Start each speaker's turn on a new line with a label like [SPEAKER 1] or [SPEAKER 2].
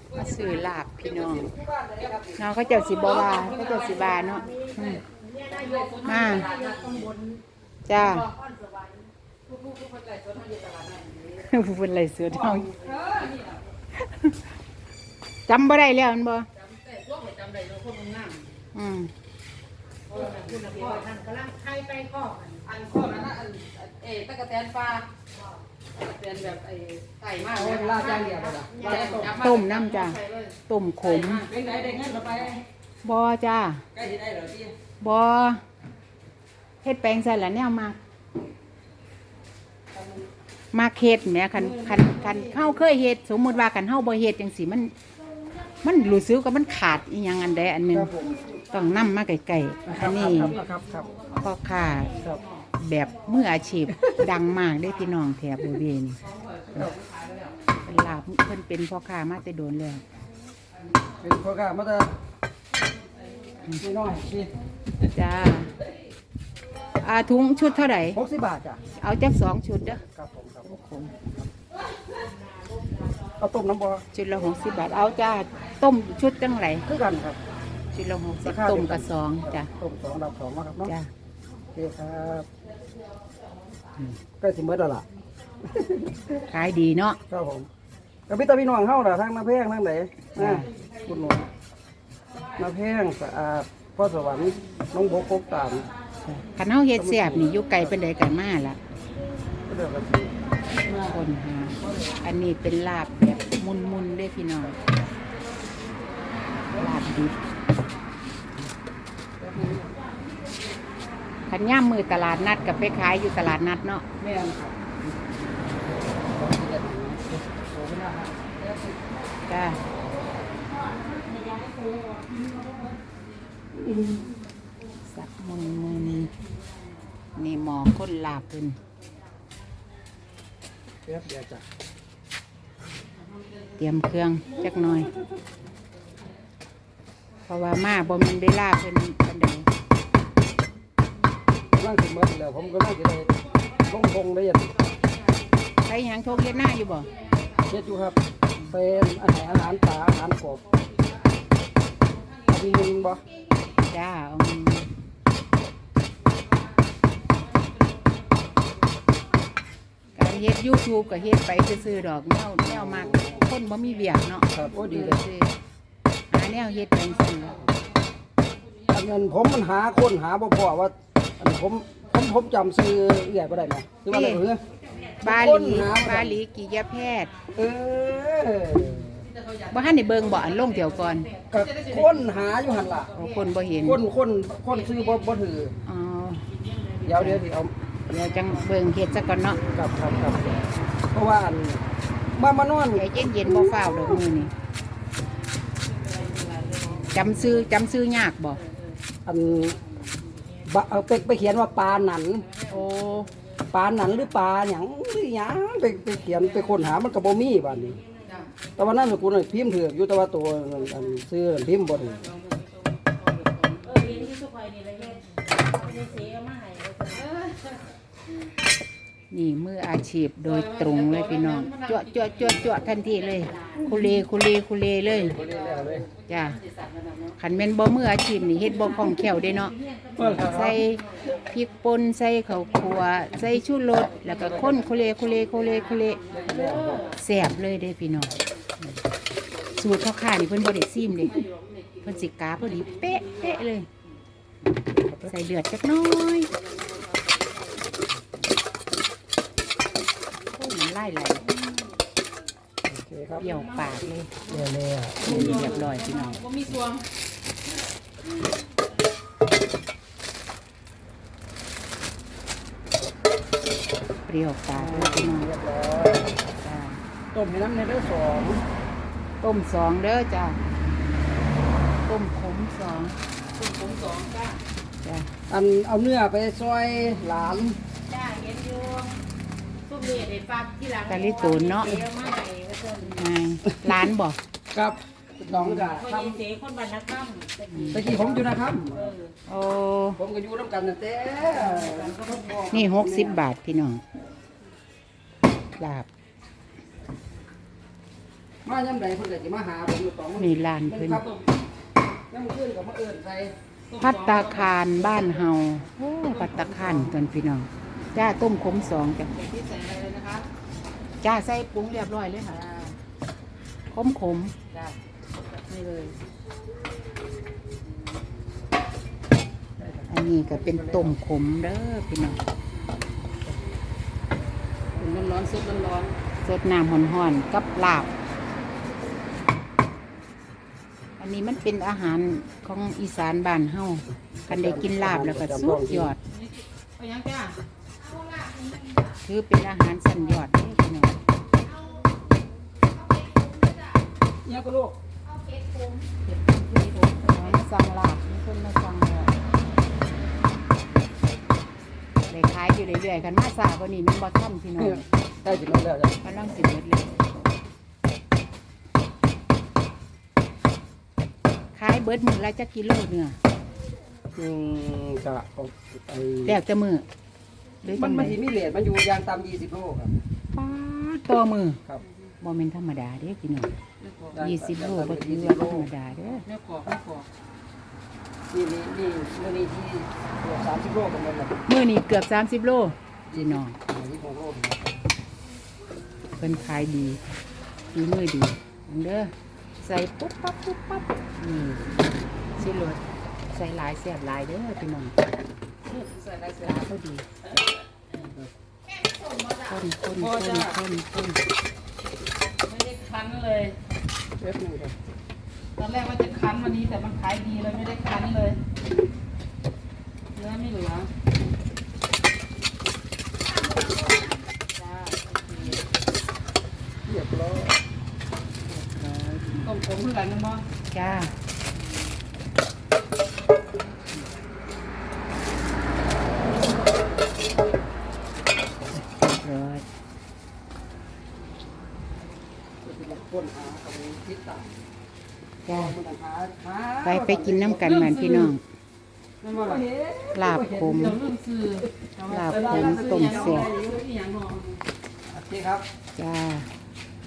[SPEAKER 1] มาซื้อลาบพี่น้องน้องเขาเจ้าสิบวาเขาเจ้าสิบาเนาะมาจ้าผู้เป็นไรเสือทองจำบ่ได้แล้วมันบ่อืม
[SPEAKER 2] ใครไปข้ออันข้อนั้นตะกะแตนปลาเป็นแบบไก่มากเลยลาดย่างเดียวเลย
[SPEAKER 1] ต้มน้ำจ้าต้มขม
[SPEAKER 2] เป็นไงได้เงินเราไป
[SPEAKER 1] บ่จ้า
[SPEAKER 2] ใกล้ที่ได้เหรอพี่
[SPEAKER 1] บ่เฮ็ดแปลงใส่ละแนวมาเฮ็ดแหมคันเฮาเคยเฮ็ดสมมุติว่ากันเฮาบ่เฮ็ดจังซี่มันรู้สึกว่ามันขาดอีหยังอันใดอันหนึงต้องนำมาไกลๆอันนี้พ่อค้าแบบมืออาชีพดังมากได้พี่น้องแถบบริเวณเป็นลาบเพิ่นเป็นพ่อค้ามาแต่โดนแล้ว
[SPEAKER 2] เป็นพ่อค้ามาแต่ไม่น้อยสิ
[SPEAKER 1] จ้าถุงชุดเท่าไหร่
[SPEAKER 2] 60 บาทจ้ะ
[SPEAKER 1] เอาจัก2 ชุดเด้อ
[SPEAKER 2] ครับผมเอาต้มน้ำบ่
[SPEAKER 1] ชุดละ60 บาทเอาจ้าต้มชุดจังไหน
[SPEAKER 2] คือกันครับ
[SPEAKER 1] ชุดละ60ต้มกับ2จ้ะ
[SPEAKER 2] ต้ม2รับ2มาครับเนาะ
[SPEAKER 1] จ้า
[SPEAKER 2] โอเคครับใกล้สิหมดแล้วล่ะ
[SPEAKER 1] ขายดีเนาะ
[SPEAKER 2] ครับผมกับพี่น้องเฮาล่ะทางน้ำแพงทางไหนคุณหนูน้ำแพงสะอาดพ่อสวรรค์น้องบกกตาม
[SPEAKER 1] คันเฮาเฮ็ดแซ่บนี่อยู่ไกลเป็นใดกันมาล่ะคนหาอันนี้เป็นลาบแบบมุนๆด้วยพี่น้องลาบดิบขันย่ามมือตลาดนัดกับไปขายอยู่ตลาดนัดเนาะ
[SPEAKER 2] แม่นครับ
[SPEAKER 1] จ้าสับมุนนี่หมอคนลาบเป็น
[SPEAKER 2] เดี๋ยวจ้ะ
[SPEAKER 1] เตรียมเครื่องจักหน่อยเพราะว่ามาบ่มันได้ลาบเป็นปันใด
[SPEAKER 2] ร่างถึงมาแล้วผมก็ไม่จะได้ลงได้ยัง
[SPEAKER 1] ใครยังโทรเย็นหน้าอยู่บ่
[SPEAKER 2] เช็ดอยู่ครับเป็นอาหารปลาอาหารกบมีเงินบ่
[SPEAKER 1] จ้าการเฮ็ด YouTube ก็เฮ็ดไปซื้อๆดอกแนวมากคนบ่มีเบียกเนาะ
[SPEAKER 2] ครับโอ้ดีเลย
[SPEAKER 1] หาแนวเฮ็ดเป็นซื่อ
[SPEAKER 2] อันนั้นผมมันหาคนหาบ่พอว่าอันผมจำซื้อใหญ่บ่ได้นะคือว่าอะไรเหรอบ
[SPEAKER 1] าลีกิยแพทย์
[SPEAKER 2] เออ
[SPEAKER 1] บ่ทันได้เบิ่งบ่อันลงเดี๋ยวก่อน
[SPEAKER 2] ก็คนหาอยู่หั่นล่ะ
[SPEAKER 1] คนบ่เห็น
[SPEAKER 2] คนซื้อบ่ถือ
[SPEAKER 1] อ๋อ
[SPEAKER 2] เดี๋ยวสิเอา
[SPEAKER 1] เดี๋ยวจังเบิ่งเฮ็ดซะก่อนเนาะ
[SPEAKER 2] ครับเพราะว่ามานอน
[SPEAKER 1] เย็นบ่ฟ้าวดอกมื้อนี้จำซื้อยากบ่
[SPEAKER 2] อันเอาไปเขียนว่าปลาหนัน
[SPEAKER 1] โอ้
[SPEAKER 2] ปลาหนันหรือปลาหยังไปเขียนไปค้นหามันก็บ่มีบัดนี้แต่ว่านั่นกูพิมพ์ถืออยู่แต่ว่าตัวอันซื้อพิมพ์บ่ถือ
[SPEAKER 1] นี่มืออาชีพโดยตรงเลยพี่น้องจั่วทันทีเลยคุเลเลยจ้าขันเม่นบ่มืออาชีพนี่เฮ็ดบ่คล่องแคล่วเด้เนาะใส่พริกป่นใส่ข้าวคั่วใส่ชูรสแล้วก็คนคุเลแซ่บเลยเด้พี่น้องสูตรพ่อค้านี่เพิ่นบ่ได้ซิมเด้เพิ่นสิกาพอดีเป๊ะเลยใส่เดือดจักน้อยไล่เดี่ยวปากเลยเรียบร้อยพี่น้องเปรี้ยวปากเลยพี่น้อง
[SPEAKER 2] ต้มให้น้ำในเด้อ
[SPEAKER 1] ต้ม2เด้อจ้าต้มขม2จ้า
[SPEAKER 2] อันเอาเนื้อไปซอยหลาน
[SPEAKER 1] จ้าเห็นอยู่ตะลิตูนเนาะร้านบอก
[SPEAKER 2] ครับน้องจ้ะ
[SPEAKER 3] ทำเจ๊คนบ้านนักข้าม
[SPEAKER 2] ตะกี้ผมอยู่นะครับ
[SPEAKER 1] โอ้
[SPEAKER 2] ผมก็อยู่ร่วมกันแต่
[SPEAKER 1] นี่60 บาทพี่น้องลาบ
[SPEAKER 2] มายามใดเพิ่นก็สิมาหาผมอยู่2มื้อ
[SPEAKER 1] นี่ร้านเพิ่น
[SPEAKER 2] ครับยามมื้อคืนก็มาเอิ้นใส่
[SPEAKER 1] ภัตตาคารบ้านเฮาโอ้ภัตตาคารกันพี่น้องจ้าต้มขม2จ้ะ
[SPEAKER 2] ที่ใส่อะไรเลยนะคะ
[SPEAKER 1] จ้าใส่ปรุงเรียบร้อยเลยค่ะขม
[SPEAKER 2] จ้านี่เลย
[SPEAKER 1] อันนี้ก็เป็นต้มขมเด้อพี่น้อง
[SPEAKER 2] เป็นร้อนๆซุปร้อน
[SPEAKER 1] สดน้ำห่อนๆกับลาบ อันนี้มันเป็นอาหารของอีสานบ้านเฮากันได้กินลาบแล้วก็สุดยอด
[SPEAKER 2] ๆเอายังจ้า
[SPEAKER 1] คือเป็นอาหารสันยอดเด้อพี่น้อง
[SPEAKER 2] เนี่ยก็ลูก
[SPEAKER 1] ของสั่งลาบมีคนมาสั่งแล้วได้ขายอยู่เรื่อยๆกันมาสาวันนี้มันบ่ทันพี่น้อง
[SPEAKER 2] ได้สิมาแล้วจ้ะ
[SPEAKER 1] กำลังสิหมดเลยขายเบิดมื้อละจักกิโลเนื้อ
[SPEAKER 2] ก็เอาไอ้
[SPEAKER 1] แล้วแต่มื้อหรือ
[SPEAKER 2] มั
[SPEAKER 1] จั
[SPEAKER 2] น
[SPEAKER 1] ง
[SPEAKER 2] มั
[SPEAKER 1] ได
[SPEAKER 2] นสิมีเรทมันอยู่อย่างต่ำ20โลครับ
[SPEAKER 1] ป๊าดต่อมื้อ
[SPEAKER 2] ครับ
[SPEAKER 1] บ่แม่นธรรมดาเด้พี่น้อง20 โลบ่ถือ
[SPEAKER 2] 20
[SPEAKER 1] ว่าธรรมดาเด้อ
[SPEAKER 2] ไม่ขอนี่มื้อนี้ที่เกือบ30โลกันหมดแล้ว
[SPEAKER 1] มื้อนี้เกือบ30 โลพี่น้อง
[SPEAKER 2] 26โล
[SPEAKER 1] เพิ่นขายดีฝีมือดีอันเด้อใส่ปุ๊บปั๊บปุ๊บปั๊บนี่สิรสใส่หลายแซ่บหลายเด้อพี่น้อง
[SPEAKER 2] ใส่ได้เสีย
[SPEAKER 1] ลาพอดีคน
[SPEAKER 3] ไม่ได้คั้นเลย
[SPEAKER 2] เล็บนึงครับ
[SPEAKER 3] ตอนแรกว่าจะคั้นวันนี้แต่มันขายดีเลยไม่ได้คั้นเลยเนื้อไม่เหลือจ้าโอเค
[SPEAKER 2] เรียบร้อย
[SPEAKER 3] ต้มผมเพื่อกันนะมั้ง
[SPEAKER 1] จ้าร้อย
[SPEAKER 2] คนหาเอาไปติดตาม
[SPEAKER 1] จ้า
[SPEAKER 2] คนหา
[SPEAKER 1] ไปกินน้ำกันเหมือนพี่น้อง
[SPEAKER 2] นั่นว่าล่ะ
[SPEAKER 1] ลาบขม
[SPEAKER 3] เดี๋ยวลืมซื้อ
[SPEAKER 1] ลาบขมต้มแซ่บ
[SPEAKER 3] ซื้ออีหยังหรอ
[SPEAKER 2] โอเคครับ
[SPEAKER 1] จ้า